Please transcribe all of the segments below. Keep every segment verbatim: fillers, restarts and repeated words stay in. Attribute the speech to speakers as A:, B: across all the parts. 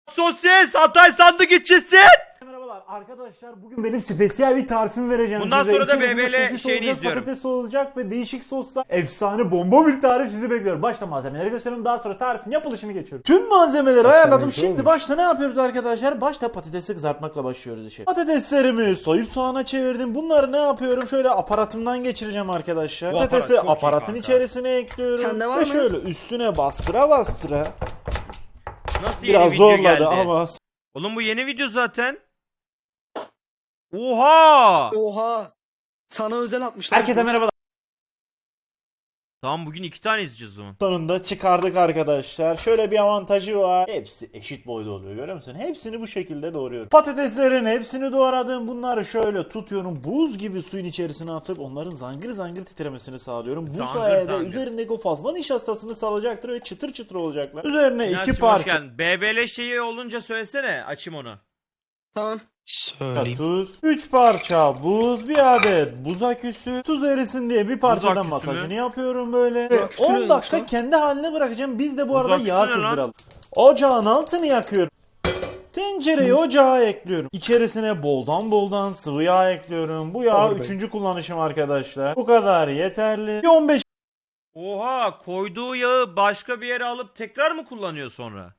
A: Sosis Hatay sandıkçısı.
B: Merhabalar arkadaşlar, bugün benim spesiyel bir tarifimi vereceğim.
A: Bundan
B: size.
A: sonra da
B: İçerisinde
A: B B L
B: sosis
A: şeyini
B: olacak,
A: izliyorum.
B: Patates olacak ve değişik sosla efsane bomba bir tarif sizi bekliyor. Başta malzemeleri gösterelim, daha sonra tarifin yapılışını geçiyorum. Tüm malzemeleri ayarladım. Şimdi başta ne yapıyoruz arkadaşlar? Başta patatesi kızartmakla başlıyoruz işe. Patateslerimi soyup soğana çevirdim. Bunları ne yapıyorum? Şöyle aparatımdan geçireceğim arkadaşlar.
A: Bu aparat
B: Patatesi
A: çok iyi
B: aparatın
A: kanka.
B: içerisine ekliyorum.
C: Sende var
B: Ve
C: mı?
B: şöyle üstüne bastıra bastıra.
A: Nasıl yeni
B: Biraz
A: video
B: zorladı
A: geldi?
B: ama
A: Oğlum bu yeni video zaten. Oha!
C: Oha. Sana özel atmışlar.
B: herkese merhaba.
A: Tamam bugün iki tane izleyeceğiz o zaman.
B: Sonunda çıkardık arkadaşlar. Şöyle bir avantajı var. Hepsi eşit boyda oluyor, görüyor musun? Hepsini bu şekilde doğruyorum. Patateslerin hepsini doğradım. Bunları şöyle tutuyorum. Buz gibi suyun içerisine atıp onların zangır zangır titremesini sağlıyorum. Bu
A: Zangır
B: sayede
A: zangır.
B: üzerindeki o fazla nişastasını salacaktır ve çıtır çıtır olacaklar. Üzerine
A: Nihat'cığım,
B: iki
A: hoş
B: parça
A: geldin. B B L şeyi olunca söylesene, açayım onu.
C: Tamam.
D: Söyleyeyim.
B: tuz, üç parça buz, bir adet buz aküsü, tuz erisin diye bir parçadan
A: aküsü
B: masajını
A: mü?
B: yapıyorum böyle. Ve
C: aküsü
B: on
C: neymiş
B: dakika
C: lan?
B: kendi haline bırakacağım. Biz de bu
A: Buz
B: arada
A: aküsü
B: yağ
A: ne lan?
B: kızdıralım. Ocağın altını yakıyorum. Tencereyi ocağa ekliyorum. İçerisine boldan boldan sıvı yağ ekliyorum. Bu yağ üçüncü kullanışım arkadaşlar. Bu kadar yeterli. Bir on beş
A: Oha, koyduğu yağı başka bir yere alıp tekrar mı kullanıyor sonra?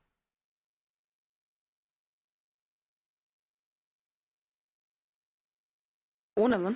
C: O ne lan?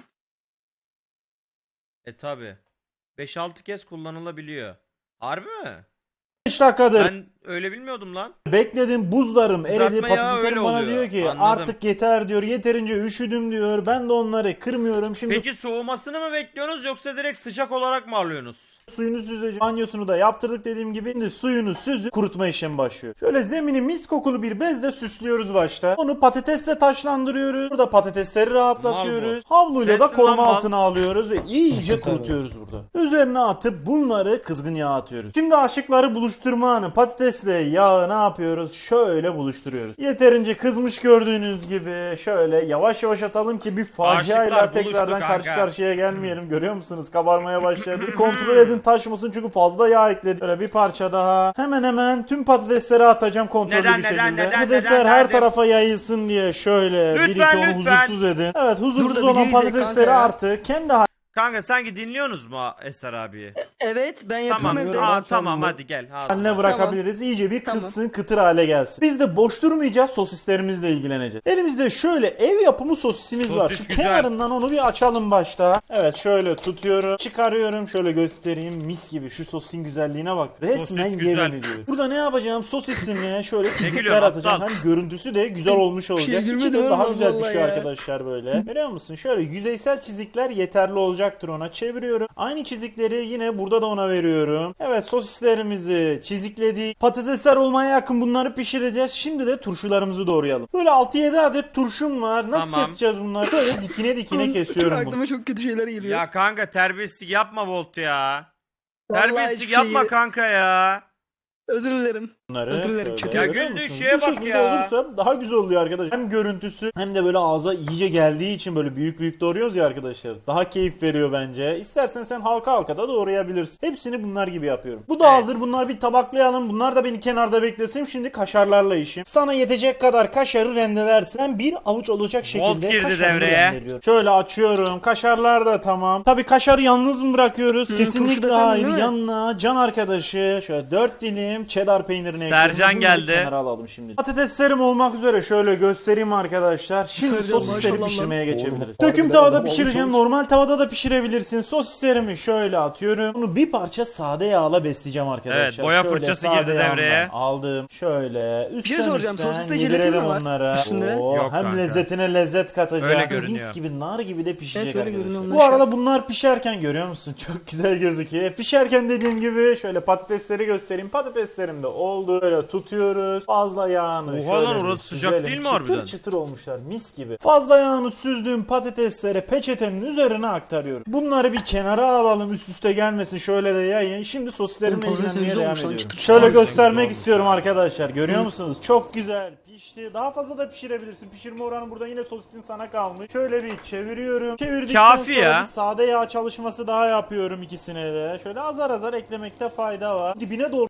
A: E tabi. beş altı kez kullanılabiliyor. Harbi mi?
B: dakikadır
A: Ben öyle bilmiyordum lan.
B: bekledim, buzlarım eridi.
A: Kızartma yağı
B: Patateslerim
A: öyle
B: bana
A: oluyor.
B: diyor ki
A: Anladım.
B: artık yeter diyor. Yeterince üşüdüm diyor. Ben de onları kırmıyorum. Şimdi
A: Peki soğumasını mı bekliyorsunuz yoksa direkt sıcak olarak mı alıyorsunuz?
B: suyunu süzeceğim. Banyosunu da yaptırdık dediğim gibi. Şimdi suyunu süzüp kurutma işlemi başlıyor. Şöyle zemini mis kokulu bir bezle süslüyoruz başta. Onu patatesle taşlandırıyoruz. Burada patatesleri rahatlatıyoruz. Havluyla da
A: Sensin
B: koruma
A: lan mal.
B: altına alıyoruz ve iyice kurutuyoruz burada. Üzerine atıp bunları kızgın yağa atıyoruz. Şimdi aşıkları buluşturma anı. Patatesle yağı ne yapıyoruz? Şöyle buluşturuyoruz. Yeterince kızmış gördüğünüz gibi. Şöyle yavaş yavaş atalım ki bir faciayla
A: Aşıklar
B: tekrardan
A: buluştu
B: karşı
A: kanka.
B: karşıya gelmeyelim. Görüyor musunuz? Kabarmaya başladı. Bir kontrol edin, taşmasın çünkü fazla yağ ekledim. Böyle bir parça daha. Hemen hemen tüm patatesleri atacağım kontrollü
A: Neden,
B: bir
A: neden,
B: şekilde.
A: neden,
B: Patatesler
A: neden,
B: her
A: nerede?
B: tarafa yayılsın diye şöyle bir iki
A: Lütfen,
B: onu
A: lütfen.
B: huzursuz edin. Evet, huzursuz
C: Dur da
B: olan
C: videoyu izle
B: patatesleri
C: kanka ya.
B: artık kendi
A: Kanka sanki dinliyorsunuz mu Eser abiyi?
C: Evet ben yapıyorum
A: Tamam.
C: evde.
A: Aa,
B: Ben
A: tamam
B: çaldım.
A: hadi gel. Hadi.
B: haline bırakabiliriz. İyice bir
C: Tamam.
B: kızsın, kıtır hale gelsin. Biz de boş durmayacağız, sosislerimizle ilgileneceğiz. Elimizde şöyle ev yapımı sosisimiz
A: Sosis
B: var. Şu
A: güzel.
B: kenarından onu bir açalım başta. Evet, şöyle tutuyorum, çıkarıyorum, şöyle göstereyim. Mis gibi, şu sosisin güzelliğine bak. Resmen
A: Sosis güzel.
B: yemin ediyorum. Burada ne yapacağım? Sosisime şöyle çizikler
A: gülüyorsun,
B: atacağım.
A: aptal?
B: Hem görüntüsü de güzel olmuş olacak. İçi
C: gülmedim
B: de daha
C: ama
B: güzel
C: vallahi
B: pişiyor
C: ya.
B: arkadaşlar böyle. Görüyor musun? Şöyle yüzeysel çizikler yeterli olacaktır ona. Çeviriyorum. Aynı çizikleri yine burada da ona veriyorum. Evet, sosislerimizi çizikledik. Patatesler olmaya yakın bunları pişireceğiz. Şimdi de turşularımızı doğrayalım. Böyle altı yedi adet turşum var. Nasıl
A: Tamam.
B: keseceğiz bunları? Böyle dikine dikine kesiyorum bunu.
C: Aklıma çok kötü şeyler geliyor.
A: Ya kanka terbiyesizlik yapma Volt ya.
C: Vallahi
A: Terbiyesizlik
C: hiçbir
A: yapma
C: şeyi-
A: kanka ya.
C: Özür dilerim.
B: Bunları
C: Özür dilerim,
B: şöyle.
C: çok
A: Ya
B: Görüyor
A: güldüğü
B: musun?
A: şeye
B: Bu
A: bak
B: şekilde
A: ya.
B: olursa daha güzel oluyor arkadaşlar. Hem görüntüsü hem de böyle ağza iyice geldiği için böyle büyük büyük doğruyoruz ya arkadaşlar. Daha keyif veriyor bence. İstersen sen halka halka da doğrayabilirsin. Hepsini bunlar gibi yapıyorum. Bu da
A: Evet.
B: hazır. Bunlar bir tabaklayalım. Bunlar da beni kenarda beklesin. Şimdi kaşarlarla işim. Sana yetecek kadar kaşarı rendelersin. Ben bir avuç olacak şekilde
A: girdi
B: kaşarı
A: devreye.
B: rendeliyorum. Şöyle açıyorum. Kaşarlar da tamam. Tabii kaşarı yalnız mı bırakıyoruz?
C: turşu da
B: Kesinlikle
C: sen
B: hayır.
C: değil mi?
B: Yanına can arkadaşı şöyle dört dilim cheddar peynirini
A: Sercan
B: ekliyorum. Bunu da
A: geldi.
B: kenara alalım şimdi. Patateslerim olmak üzere şöyle göstereyim arkadaşlar. Şimdi
C: Sercan,
B: sosisleri
C: maşallah
B: pişirmeye
C: lan.
B: geçebiliriz.
D: Oğlum,
B: Döküm
D: harbiden
B: tavada
D: adam
B: pişireceğim.
D: olmuş.
B: Normal tavada da pişirebilirsin. Sosislerimi şöyle atıyorum. Bunu bir parça sade yağla besleyeceğim arkadaşlar.
A: Evet, boya
B: Şöyle
A: fırçası
B: sade
A: girdi
B: yağından
A: devreye.
B: Aldım. Şöyle üstten
C: şey soracağım,
B: üstten
C: sosiste jelatin
B: yedirelim
C: mi var
B: onlara.
C: üstünde?
B: Oo,
A: Yok
B: hem
A: kanka.
B: lezzetine lezzet katacak.
A: Öyle görünüyor.
B: Mis gibi, nar gibi de pişecek
C: Evet, öyle
B: arkadaşlar.
C: görünüyor.
B: Bu arada bunlar pişerken görüyor musun? Çok güzel gözüküyor. Pişerken dediğim gibi şöyle patatesleri göstereyim. Patateslerim de oldu. Böyle tutuyoruz. Fazla yağını
A: Oha
B: şöyle
A: lan,
B: bir
A: orası sıcak
B: süzelim.
A: değil mi
B: çıtır
A: harbiden?
B: Çıtır çıtır olmuşlar, mis gibi. Fazla yağını süzdüğüm patateslere peçetenin üzerine aktarıyorum. Bunları bir kenara alalım, üst üste gelmesin. Şöyle de yayın. Şimdi sosislerimle
C: Oğlum, patates
B: ilgilenmeye
C: güzel
B: devam
C: olmuş lan,
B: ediyorum.
C: çıtır çıtır.
B: Şöyle
A: Harbiden
B: göstermek
A: güzel
B: istiyorum
A: olmuş
B: arkadaşlar. Görüyor musunuz? Çok güzel pişti. Daha fazla da pişirebilirsin. Pişirme oranı burada yine sosisin sana kalmış. Şöyle bir çeviriyorum. Çevirdikten
A: Kafi
B: sonra
A: ya.
B: bir sade yağ çalışması daha yapıyorum ikisine de. Şöyle azar azar eklemekte fayda var. Dibine doğru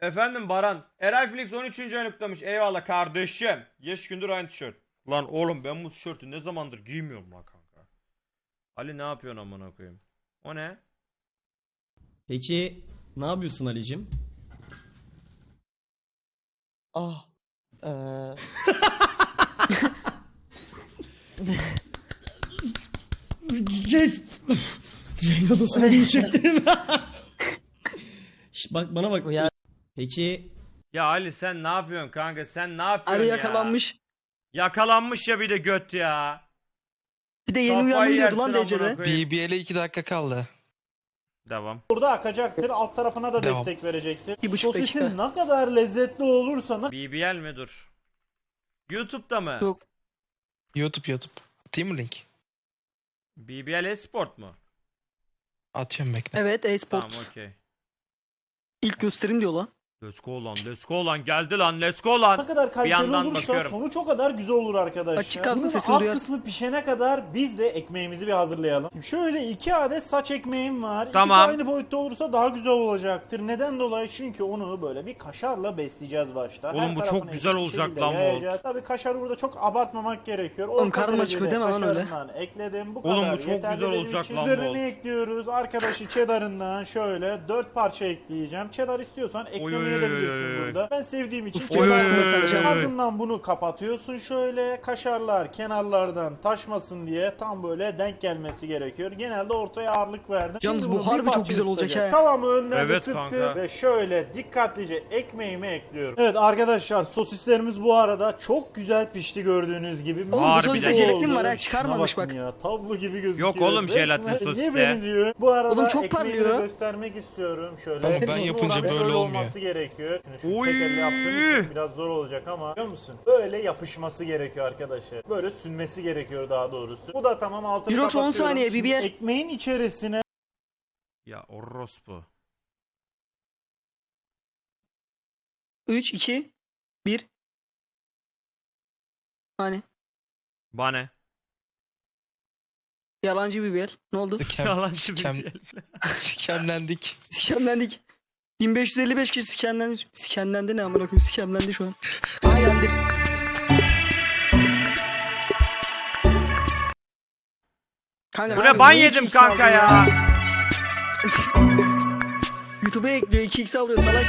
A: Efendim Baran. Eray Flix on üçüncü ayını kutlamış. Eyvallah kardeşim. Beş gündür aynı tişört. Lan oğlum ben bu tişörtü ne zamandır giymiyorum lan kanka. Ali ne yapıyorsun amına koyayım? O ne?
D: Peki ne yapıyorsun Ali'cim?
E: Ah. Eee.
D: Cenk odasına gibi çektin. Şş, bak bana bak.
E: Ya.
D: Peki
A: Ya Ali sen ne yapıyorsun kanka? Sen ne yapıyorsun
C: Ali
A: ya?
C: yakalanmış.
A: Yakalanmış ya bir de göt ya.
C: Bir de yeni
A: Kafayı
C: uyandım diyordu
A: yersin
C: lan
A: amına
C: Dece'de.
A: koyayım.
F: B B L'e iki dakika kaldı.
A: Devam.
B: Burada akacaktır. Alt tarafına da
F: Devam.
B: destek verecektir.
C: Bir buçuk
B: Sosisin
C: dakika.
B: ne kadar lezzetli olursa ne
A: B B L mi dur? YouTube'da mı?
C: Yok.
F: YouTube YouTube. Atayım mı link?
A: B B L Esport mu?
F: Atıyorum bekle.
C: Evet
A: Tamam
C: e-sports.
A: okey.
C: İlk gösterim diyor lan.
A: Let's go lan, let's go lan, geldi lan, let's go lan.
B: kadar kaliteli
A: yandan
B: olursa
A: bakıyorum.
B: sonuç o kadar güzel olur arkadaşlar.
C: Açık kalsın,
B: Bunun
C: sesini
B: alt
C: duyarsın.
B: kısmı pişene kadar biz de ekmeğimizi bir hazırlayalım. Şimdi şöyle iki adet saç ekmeğim var.
A: Tamam.
B: İkisi aynı boyutta olursa daha güzel olacaktır. Neden dolayı? Çünkü onu böyle bir kaşarla besleyeceğiz başta.
A: Oğlum
B: Her
A: bu çok
B: tarafına
A: güzel
B: eşit bir
A: olacak
B: şekilde
A: lan bu.
B: yayacağız. Tabii kaşarı burada çok abartmamak gerekiyor.
C: Oğlum
B: Orta
C: karnım
B: derecede
C: acıkıyor deme lan öyle.
B: kaşarından ekledim. Bu
A: Oğlum
B: kadar
A: bu çok
B: yeterli
A: güzel
B: benim
A: olacak
B: için.
A: lan bu.
B: Üzerine ekliyoruz. Arkadaşı cheddar'ından şöyle dört parça ekleyeceğim. Cheddar istiyorsan eklemeye
A: oy,
B: de
A: oy,
B: bilirsin
A: oy, oy.
B: burada. Ben sevdiğim için
A: Oy, oy,
B: cheddar
A: oy,
B: koyacağım.
A: oy, oy.
B: Ardından bunu kapatıyorsun şöyle. Kaşarlar kenarlardan taşmasın diye tam böyle denk gelmesi gerekiyor. Genelde ortaya ağırlık verdim.
C: Yalnız
B: Şimdi
C: bu
B: bunu bir
C: harbi çok
B: parça
C: güzel olacak
B: ısıtacağız.
C: he.
B: Tavamı önden
A: Evet
B: ısıttım
A: kanka.
B: ve şöyle dikkatlice ekmeğimi ekliyorum. Evet arkadaşlar sosislerimiz bu arada çok güzel pişti gördüğünüz gibi.
C: Oğlum bu
A: Harbiden.
C: sosiste jelatin
B: oldu.
C: var ha
B: Şuna
C: çıkarmamış
B: bakın
C: bak.
B: Ya, tablo gibi gözüküyor.
A: Yok oğlum, jelatin
B: Resmen
A: sosiste.
B: niye benziyor? Bu arada
C: Oğlum çok
B: ekmeğimi de
C: parlıyor.
B: göstermek istiyorum. Şöyle.
F: Ama ben
B: Uzun
F: yapınca
B: olan
F: böyle
B: şöyle
F: olmuyor.
B: olması gerekiyor. Şimdi şu
A: Oy.
B: tek elle yaptığım için biraz zor olacak ama biliyor musun? Böyle yapışması gerekiyor arkadaşlar. Böyle sünmesi gerekiyor daha doğrusu. Bu da tamam altını
C: Jirox on
B: kapatıyorum.
C: saniye,
B: Şimdi
C: B B L.
B: ekmeğin içerisine
A: Ya orospu.
C: üç, iki, bir. Hani
A: Bana.
C: yalancı bir yer. Ne oldu?
F: Sikem,
A: Yalancı
F: sikem,
A: bir
F: sikemlendik.
C: Sikemlendik. bin beş yüz elli beş kişi sikemlendi. Sikemlendi ne amına koyayım? Sikemlendi şu an. Aa geldi. Kanka,
A: Bu
C: abi
A: ne ban
C: niye
A: yedim
C: iki x
A: kanka
C: aldın
A: ya.
C: YouTube'a ekliyor iki x alıyor salak.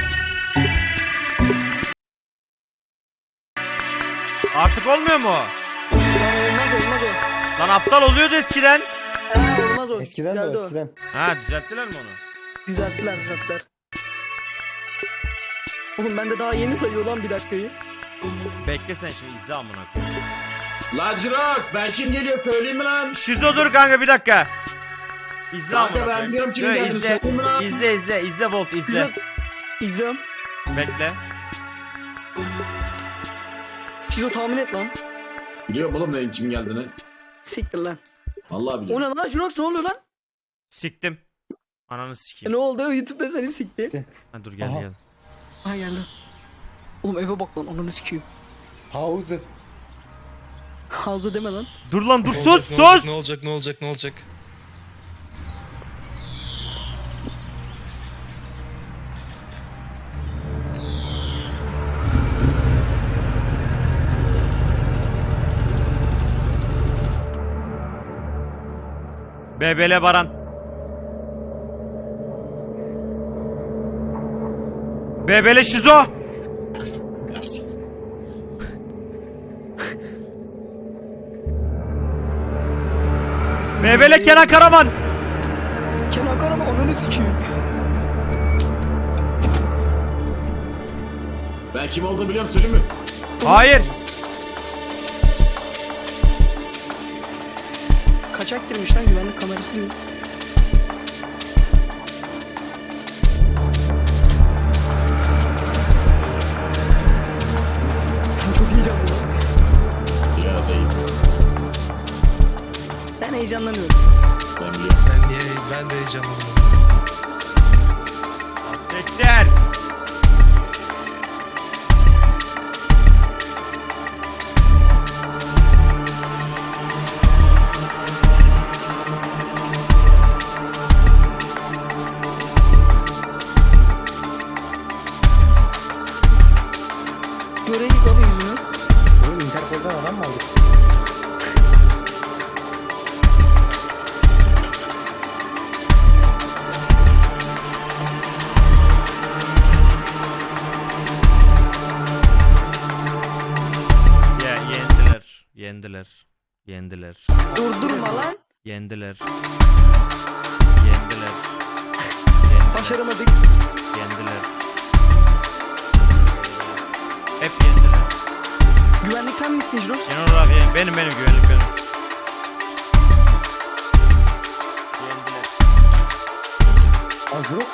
A: Artık olmuyor mu?
C: Lan olmaz olmaz o.
A: Lan aptal oluyordu eskiden.
C: Ha, olmaz o.
E: Eskiden de
C: Güzeldi
E: o,
C: o.
E: eskiden.
A: Ha düzelttiler mi onu?
C: Düzelttiler düzelttiler. Oğlum ben de daha yeni sayıyor lan bir dakikayı.
A: Bekle sen şimdi izle amına koyayım.
G: Lan Jirox ben kim geliyor söyleyeyim mi lan?
A: Şizo dur kanka bir dakika. İzle
G: Kanka,
A: amına
G: ben
A: koyayım.
G: biliyorum kim
A: Şöyle
G: geldi,
A: izle,
G: söyleyeyim mi lan?
A: izle izle izle Volt izle.
C: Güzel. İzliyorum.
A: Bekle.
C: Şizo tahmin et lan.
G: Biliyorum oğlum benim kim geldiğini.
C: Siktir lan.
G: Vallahi
C: O
G: biliyorum.
C: ne lan Jirox ne oluyor lan?
A: Siktim. Ananı
C: E,
A: sikeyim.
C: ne oldu? YouTube'da seni sikti.
A: Ha, dur gel
E: Aha.
A: gel.
C: Ha geldi. Oğlum eve bak lan ananı sikeyim.
E: Hauser.
C: Hazır deme lan.
A: Dur lan dur
F: Ne
A: sus
F: olacak, ne olacak,
A: sus.
F: Ne olacak ne olacak ne olacak?
A: Bebele Baran. Bebele Şizo. Bebele Kenan Karaman.
C: Kenan Karaman ananı sikeyim.
G: Ben kim olduğunu biliyorum söyleyeyim mi?
A: Hayır.
C: Kaçak girmiş lan güvenlik kamerası gibi. Çok heyecanlı lan.
G: Ya değil.
C: Ben heyecanlanıyorum.
G: Ben biliyorum.
F: Ben niye ben de heyecanlandım.
A: Bekler.
C: çek abi yüzünü.
E: Oğlum Interpol'dan adam mı aldık?
A: Ya yendiler. Yendiler. Yendiler.
C: Durdurma lan.
A: Yendiler. Yendiler. Yendiler.
C: Başaramadık.
A: Yendiler. Hep yendiler.
C: Güvenlik sen misin Jirox?
A: Genel olarak yen- benim benim güvenlik benim. Yendiler.
E: Agro.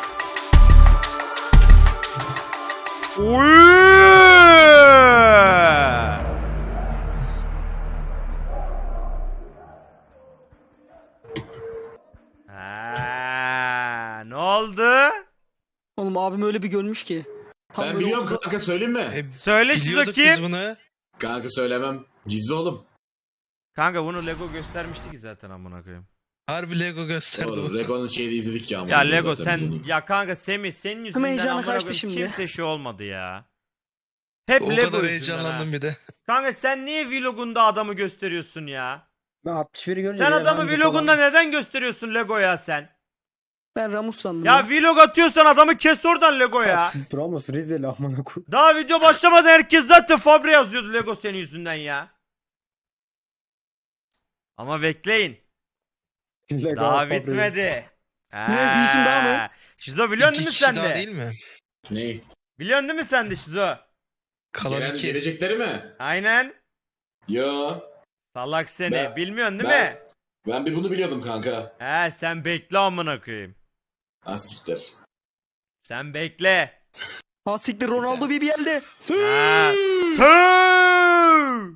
A: Uyuuu! Ha, ne oldu?
C: Oğlum abim öyle bir görmüş ki. Tam
G: Ben
C: böyle
G: biliyorum
C: omuzda-
G: kanka, söyleyeyim mi?
F: E,
A: Söyle Şizo
F: biliyorduk biz
A: kim?
F: bunu.
G: Kanka söylemem. Gizli oğlum.
A: Kanka bunu Lego göstermişti ki zaten amına koyayım.
F: Harbi Lego gösterdi
G: Doğru.
F: bu.
G: Rego'nun şeyini izledik ya.
A: Ya
G: amına
A: Lego
G: zaten biz
A: sen
G: onu.
A: ya kanka Semih senin yüzünden
C: heyecanı
A: amına
C: kaçtı
A: koyayım
C: şimdi.
A: kimse şey olmadı ya. Hep
F: O
A: Lego
F: kadar
A: yüzünden
F: heyecanlandım
A: ha.
F: bir de.
A: Kanka sen niye vlogunda adamı gösteriyorsun ya?
E: Ben altmış biri görünce...
A: Sen
E: biraz
A: adamı
E: hangi
A: vlogunda
E: falan-
A: neden gösteriyorsun Lego ya sen?
C: Ben Ramus sandım.
A: Ya vlog atıyorsan adamı kes oradan Lego ya.
E: Ramos Rizeli amına koy.
A: Daha video başlamadan herkes zaten Fabre yazıyordu Lego senin yüzünden ya. Ama bekleyin.
E: Lego
A: Daha
E: Fabri.
A: bitmedi.
C: Ne, bir işim daha mı?
A: Şizo biliyorsun
F: İki
A: değil mi
F: kişi
A: sen
F: daha
A: de?
F: değil mi?
G: Ne?
A: Biliyorsun değil mi sen de Şizo?
F: Kalan
G: Gelen,
F: iki.
G: gelecekleri mi?
A: Aynen.
G: Yo.
A: Salak seni.
G: Ben-
A: Bilmiyorsun değil
G: ben-
A: mi?
G: Ben bir bunu biliyordum kanka.
A: He sen bekle amına koyayım.
G: Asiktir.
A: Sen bekle.
C: Ha siktir Ronaldo bir bir geldi.
A: Ha. Sığ!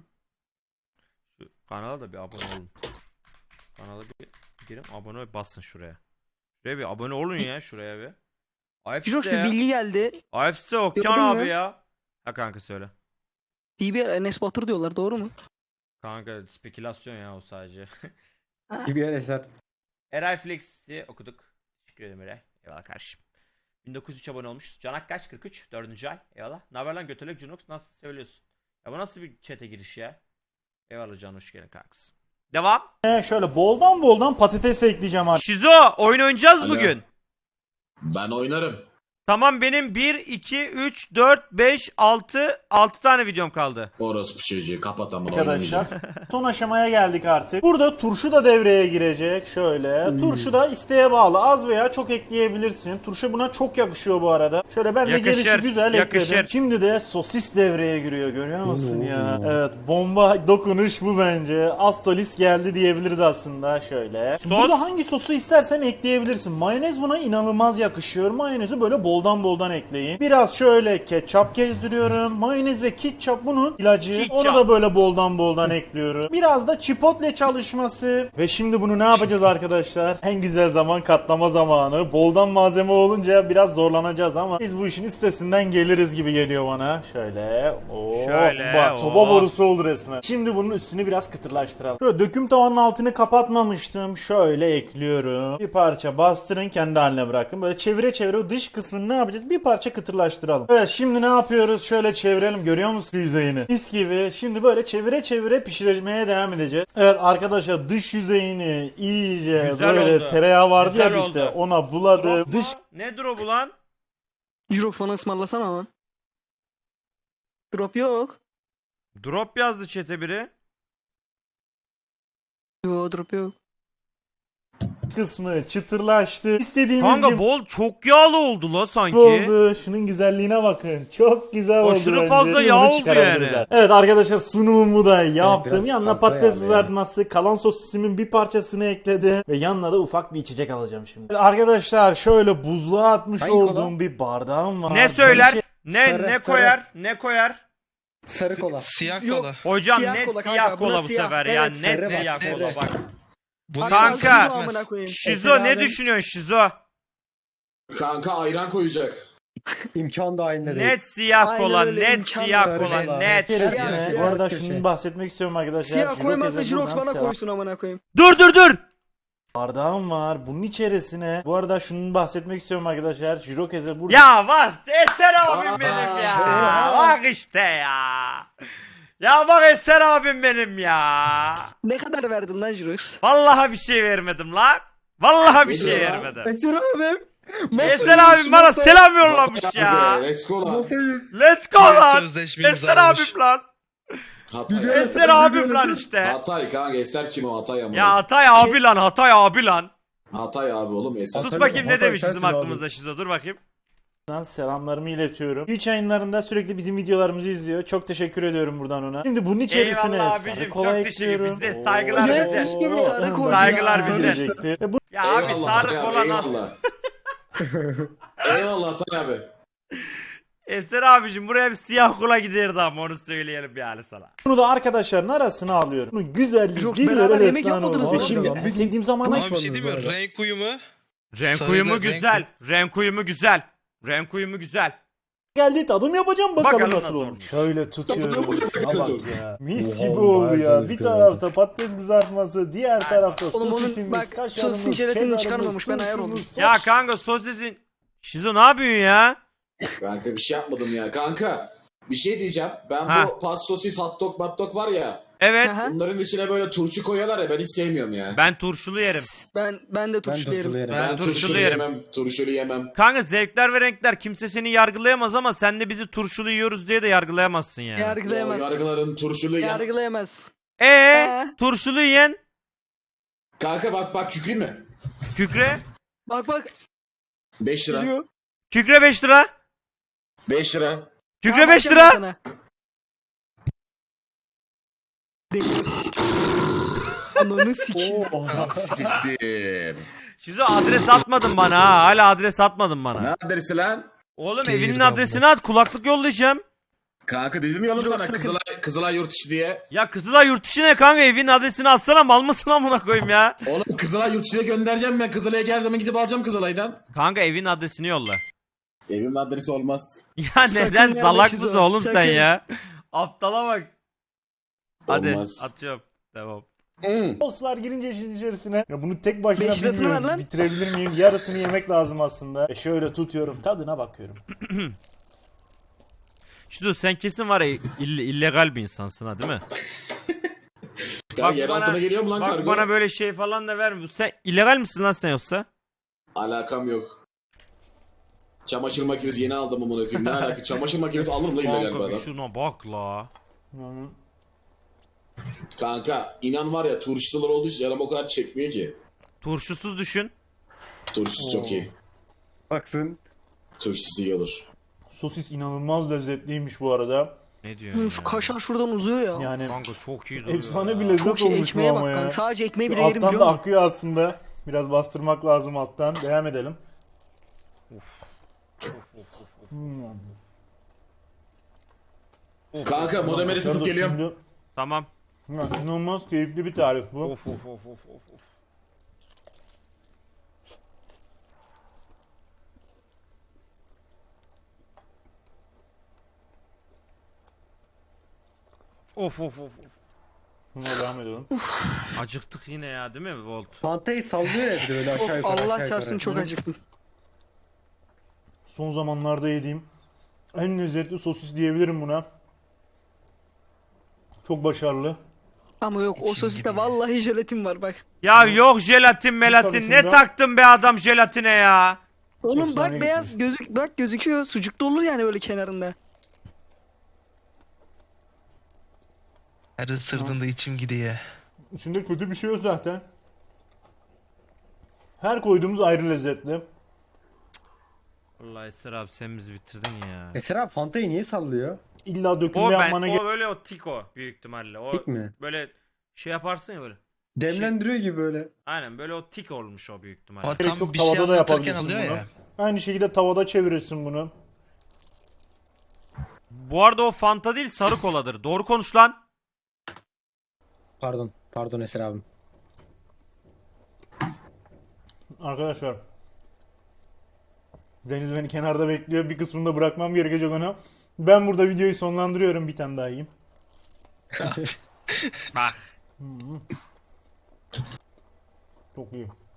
A: Şu kanala da bir abone olun. Kanala bir girin abone ol basın şuraya. Şuraya bir abone olun ya şuraya bir.
C: Jirox
A: A F C
C: bir
A: ya.
C: bilgi geldi.
A: A F C Okyan
C: Gördün
A: abi
C: mü?
A: ya. Ha kanka söyle.
C: B B R Enes Batur diyorlar doğru mu?
A: Kanka spekülasyon ya o sadece.
E: Bir yer eser.
A: Eray Flex'i okuduk. Teşekkür ederim Eray. Eyvallah kardeşim. bin dokuz yüz üç abone olmuş. Canak kaç? kırk üç. dördüncü ay. Eyvallah. Naber lan götürlük Junox nasıl söylüyorsun? Ya bu nasıl bir chat'e giriş ya? Eyvallah Can hoş geldin kankası. Devam.
B: He, şöyle boldan boldan patates ekleyeceğim artık.
A: Şizo oyun oynayacağız
G: Alo.
A: bugün.
G: Ben oynarım.
A: Tamam benim bir, iki, üç, dört, beş, altı, altı tane videom kaldı.
G: Orospu çocuğu kapat ama
B: Arkadaşlar son aşamaya geldik artık. Burada turşu da devreye girecek. Şöyle. Turşu da isteğe bağlı. Az veya çok ekleyebilirsin. Turşu buna çok yakışıyor bu arada. Şöyle ben de
A: Yakışır,
B: gelişi güzel
A: yakışır.
B: ekledim. Şimdi de sosis devreye giriyor. Görüyor musun ya? Evet. Bomba dokunuş bu bence. Astolis geldi diyebiliriz aslında. Şöyle.
A: Sos.
B: Burada hangi sosu istersen ekleyebilirsin. Mayonez buna inanılmaz yakışıyor. Mayonezi böyle boldan boldan ekleyin. Biraz şöyle ketçap gezdiriyorum. Mayonez ve ketçap bunun ilacı.
A: Ketçap.
B: Onu da böyle boldan boldan ekliyorum. Biraz da chipotle çalışması. Ve şimdi bunu ne yapacağız arkadaşlar? En güzel zaman katlama zamanı. Boldan malzeme olunca biraz zorlanacağız ama biz bu işin üstesinden geliriz gibi geliyor bana. Şöyle. Oo,
A: Şöyle,
B: bak
A: oo.
B: soba borusu oldu resmen. Şimdi bunun üstünü biraz kıtırlaştıralım. Şöyle döküm tavanın altını kapatmamıştım. Şöyle ekliyorum. Bir parça bastırın kendi haline bırakın. Böyle çevire çevire o dış kısmını ne yapacağız? Bir parça kıtırlaştıralım. Evet şimdi ne yapıyoruz? Şöyle çevirelim. Görüyor musun yüzeyini? Mis gibi. Şimdi böyle çevire çevire pişirmeye devam edeceğiz. Evet arkadaşlar dış yüzeyini iyice
A: Güzel
B: böyle
A: oldu.
B: tereyağı vardı
A: Güzel
B: ya bitti.
A: oldu.
B: Ona buladım.
A: Drop
B: Dış
A: mu? Ne drop'u lan?
C: Jirox bana ısmarlasana lan. Drop yok.
A: Drop yazdı chat'e biri.
C: Yo drop yok.
B: kısmı çıtırlaştı. İstediğimiz
A: Kanka
B: gibi
A: bol çok yağlı oldu la sanki.
B: oldu. Şunun güzelliğine bakın. Çok güzel oldu
A: Aşırı
B: bence.
A: fazla
B: Bunu
A: yağ oldu
B: çıkarabiliriz
A: yani.
B: zaten. Evet arkadaşlar sunumumu da yaptım.
E: biraz
B: Yanına
E: fazla
B: patates
E: yağlı
B: kızartması, kalan sosisimin bir parçasını ekledim. Ve yanına da ufak bir içecek alacağım şimdi. Evet, arkadaşlar şöyle buzluğa atmış
E: Hangi
B: olduğum
E: kola?
B: bir bardağım var.
A: Ne söyler?
B: Şey-
A: Ne
E: Sarı,
A: ne
E: sarı.
A: koyar? Ne koyar?
E: Sarı kola.
F: Siyah
C: Yok.
F: kola.
A: Hocam
C: Siyah
A: net
C: kola kanka,
A: siyah
C: buna
A: kola bu
C: siyah.
A: sefer ya.
C: Evet,
A: Net
E: sarı
A: siyah
E: bak,
A: kola
E: sarı.
A: bak.
F: Bunu
A: Kanka.
F: yazmaz.
C: amına koyayım.
A: Şizo ne
E: Efe abi-
A: düşünüyorsun Şizo?
G: Kanka ayran koyacak.
E: İmkan dahilinde değil.
A: Net siyah
C: Aynen
A: kola,
C: öyle,
A: net
C: imkan
A: siyah
E: yok.
A: kola,
E: Sarı
A: net.
E: kola.
B: Keresine.
E: Siyah,
B: Bu arada
E: siyah
B: şunu
E: köşe.
B: bahsetmek istiyorum arkadaşlar.
C: Siyah
B: Jirox
C: koymazsa
B: Ezel
C: Jirox
B: buradan
C: bana
B: selam.
C: koysun amına koyayım.
A: Dur dur dur.
B: Bardağım var. Bunun içerisine. Bu arada şunu bahsetmek istiyorum arkadaşlar. Jirokeze burada.
A: Ya bas Eser abim
G: Aa,
A: benim ya.
G: işte
A: Bak işte ya. Ya bak Eser abim benim ya.
C: Ne kadar verdin lan Jirox?
A: Vallahi bir şey vermedim lan. Vallahi bir
G: Ne
A: şey
G: diyor lan?
A: vermedim.
E: Eser abim.
A: Eser abim bana selam yollamış ya.
G: Let's go lan.
A: Let's go lan.
F: Sözleşme
A: Eser
F: imzalamış.
A: abim lan.
G: Hatay.
A: Eser abim lan işte.
G: Hatay kanka Eser kim o Hatay ama.
A: Ya Hatay abi lan Hatay abi lan.
G: Hatay abi oğlum Eser.
A: Sus
E: Hatay-
A: bakayım ne
E: Hatay
A: demiş bizim
E: sensin abi.
A: hakkımızda Şizo, dur bakayım.
B: Selamlarımı iletiyorum. Twitch yayınlarında sürekli bizim videolarımızı izliyor. Çok teşekkür ediyorum buradan ona. Şimdi bunun içerisine
A: Eyvallah
B: sarı
A: abicim,
B: kola
A: çok teşekkür.
B: ekliyorum.
A: Bizde saygılar
B: Oo.
A: bize.
B: Oo.
C: Sarı kola.
A: Saygılar bize.
B: Söyleyecekti. Ve bu
A: Ya abi
G: Eyvallah
A: sarı
G: Hatay
A: kola
G: abi,
A: nasıl?
G: eyvallah. Eyvallah Hatay abi.
A: Eser abicim buraya bir siyah kola giderdi ama onu söyleyelim yani sana.
B: Bunu da arkadaşların arasına alıyorum. Bunun güzelliği
C: Çok
B: dillere
C: beraber yemek
B: destan
C: yapmadınız
B: oldu.
C: mı?
B: Ve şimdi
E: Abi,
B: en sevdiğim zamana
F: Ama bir şey değil mi?
E: Konuşmadınız
F: Renk uyumu.
A: Renk
F: Sarı
A: uyumu
F: da renk-
A: güzel. Renk uyumu güzel. Renk uyumu güzel.
B: geldi, tadım yapacağım bakalım,
A: Bakalım
B: nasıl
A: nasıl
B: olmuş.
A: olmuş.
B: Şöyle tutuyorum. Şuna bak ya. Mis
E: Oha,
B: gibi oldu
E: bayağı
B: ya.
E: güzel
B: Bir
E: gözüküyor.
B: tarafta patates kızartması, diğer tarafta
C: Oğlum onun
B: sosisimiz,
C: bak,
B: kaşarımız,
C: sosisin jelatini
B: cheddarımız,
C: çıkarmamış, ben ayar oldum.
B: turşumuz,
A: Ya
B: sos.
A: kanka sosisin. Şizo ne yapıyorsun ya?
G: Kanka bir şey yapmadım ya. Kanka bir şey diyeceğim. Ben
A: Ha.
G: bu pas sosis hot dog hot dog var ya.
A: Evet.
C: Aha.
G: Bunların içine böyle turşu koyuyorlar ya ben hiç sevmiyorum ya.
A: Ben turşulu yerim.
C: Ben ben de
E: Ben
C: turşulu yerim.
E: turşulu yerim.
A: Ben
G: Ben
A: turşulu
G: turşulu
A: yerim.
G: yemem. Turşulu yemem.
A: Kanka zevkler ve renkler, kimse seni yargılayamaz ama sen de bizi turşulu yiyoruz diye de yargılayamazsın yani.
G: Ya,
C: Yargılayamaz.
G: yargıların turşulu yem.
C: Yargılayamaz.
A: Ee,
C: Ee?
A: turşulu yiyen
G: Kanka bak bak Şükrü mü?
A: kükre.
C: Bak bak.
G: beş lira.
C: Geliyor.
A: Kükre beş lira.
G: beş lira.
A: Kükre
C: Tamam,
A: beş
C: bakacağım ben
A: lira.
C: sana. Deli. Ananı sikeyim.
G: Siktir.
A: Şizo adres atmadın bana ha. Hala adres atmadın bana.
G: Ne adresi lan?
A: Oğlum
F: Gelir
A: evinin
F: abla.
A: adresini at, kulaklık yollayacağım.
G: Kanka dedim ya oğlum
C: Yok,
G: sana
C: sakın.
G: Kızılay, Kızılay yurt içi diye.
A: Ya Kızılay yurt dışı ne kanka, evinin adresini atsana, mal mısın amına koyayım ya.
G: Oğlum Kızılay yurt içine göndereceğim ben. Kızılay'a gel zaman gidip alacağım Kızılay'dan.
A: Kanka evin adresini yolla.
G: Evimin adresi olmaz.
A: Ya neden
C: nerede
A: salak
C: Şizo?
A: mısın oğlum sen
C: Sakın.
A: ya? Aptala bak. Hadi
G: Olmaz.
A: atıyorum. Devam.
G: Hmm.
B: Soslar girince işin içerisine. Ya bunu tek başına
C: Beş lirasını
B: bilmiyorum.
C: ver lan.
B: Bitirebilir miyim? Yarısını yemek lazım aslında. E şöyle tutuyorum. Tadına bakıyorum.
A: Şizo sen kesin var ya ill- illegal bir insansın ha değil mi?
G: Ya
A: Bak
G: yer
A: bana-
G: altına geliyor mu lan
A: Bak
G: kargo?
A: bana böyle şey falan da verme. Sen illegal misin lan sen yoksa?
G: Alakam yok. Çamaşır makinesi yeni aldım amına koyayım. Ne alaka? Çamaşır makinesi alırım la illegal bir
A: Kanka bir
G: adam.
A: şuna bak la.
B: Yani
G: Kanka inan var ya turşular olduğu için canım o kadar çekmiyor ki.
A: Turşusuz düşün.
G: Turşusu çok iyi.
E: Baksın.
G: Turşusu iyi olur.
B: sosis inanılmaz lezzetliymiş bu arada.
A: Ne diyorsun
C: Hı,
A: ya?
C: Şu kaşar şuradan uzuyor ya.
B: Yani
A: Kanka çok iyi duruyor
B: efsane
A: ya.
B: bir lezzet
C: Çok iyi,
B: olmuş bu
C: ekmeğe
B: ama
C: bak
B: ya.
C: kanka. Sadece ekmeği bile yerim
B: Alttan
C: biliyor
B: da
C: musun?
B: akıyor aslında. Biraz bastırmak lazım alttan. Devam edelim. Hmm.
G: Kanka modemeri satıp geliyorum.
B: Şimdi-
A: Tamam.
B: Ya, İnanılmaz keyifli bir tarif bu.
A: Of of of of of of. Of of of of.
B: Buna devam edelim.
A: Acıktık yine ya değil mi Volt?
E: Fantayı sallıyor ya bir de böyle aşağı
C: Of,
E: yukarı aşağı
C: Allah
E: yukarı.
C: çarpsın çok
B: Hı.
C: acıktım.
B: Son zamanlarda yediğim en lezzetli sosis diyebilirim buna. Çok başarılı.
C: Ama yok o sosiste vallahi jelatin var bak.
A: Ya yok jelatin melatin, ne
B: tanesinde-
A: taktın be adam jelatine ya?
C: Oğlum
B: Efsane
C: bak beyaz gözük bak gözüküyor. Sucuk da olur yani böyle kenarında.
F: Her ısırdığında içim gidiyor.
B: İçinde kötü bir şey yok zaten. Her koyduğumuz ayrı lezzetli.
A: Vallahi Eser abi sen bizi bitirdin ya.
E: Eser abi Fantayı niye sallıyor?
B: İlla dökümde
A: O ben
B: yapmana gerek
A: o böyle o tiko büyük ihtimalle. O
E: Tik mi?
A: böyle şey yaparsın ya böyle.
E: Demlendiriyor gibi böyle.
A: Aynen böyle o tik olmuş o büyük ihtimalle.
F: Ama
B: Gerek
F: tam
B: yok,
F: bir şey
B: tavada da
F: anlatırken
B: yapabilirsin
F: alıyor
B: bunu.
F: ya.
B: Aynı şekilde tavada çevirirsin bunu.
A: Bu arada o Fanta değil sarı koladır. Doğru konuş lan.
E: Pardon. Pardon Eser abim.
B: Arkadaşlar. Deniz beni kenarda bekliyor. Bir kısmını da bırakmam gerekecek ona. Ben burada videoyu sonlandırıyorum. Bir tane daha yiyeyim.
A: Bak.
B: Çok iyi.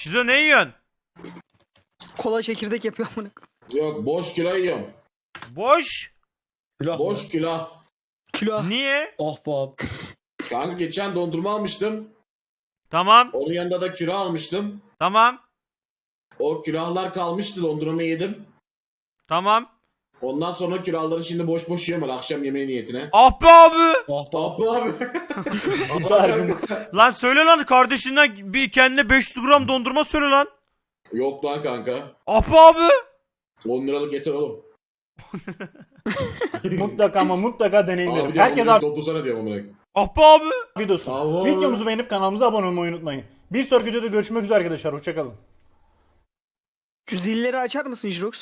A: Şizo ne yiyorsun?
C: Kola çekirdek yapıyor amına koyayım.
G: Yok boş kilo yiyorum.
A: Boş.
E: Külah
G: Boş
E: mı?
G: kilo.
C: Kilo.
A: Niye?
E: Oh be abi.
G: Kanka geçen dondurma almıştım.
A: Tamam.
G: Onun yanında da kilo almıştım.
A: Tamam.
G: O külahlar kalmıştı, dondurma yedim.
A: Tamam.
G: Ondan sonra külahları şimdi boş boş yiyorum öyle akşam yemeği niyetine.
A: Ah be abi.
E: Oh be abi.
G: Abi abi.
B: Harbi.
A: Lan söyle lan kardeşinden bir kendine beş yüz gram dondurma söyle lan.
G: Yok lan kanka.
A: Ah be abi.
G: on liralık yeter oğlum.
B: Mutlaka ama mutlaka deneyin
G: Abi
B: derim.
G: diyor,
B: Herkes
G: Herkes toplasana diyorum amına.
A: Ah be abi.
B: afiyet olsun.
G: Bravo.
B: Videomuzu beğenip kanalımıza abone olmayı unutmayın. Bir sonraki videoda görüşmek üzere arkadaşlar. Hoşçakalın.
C: Şu zilleri açar mısın Jirox?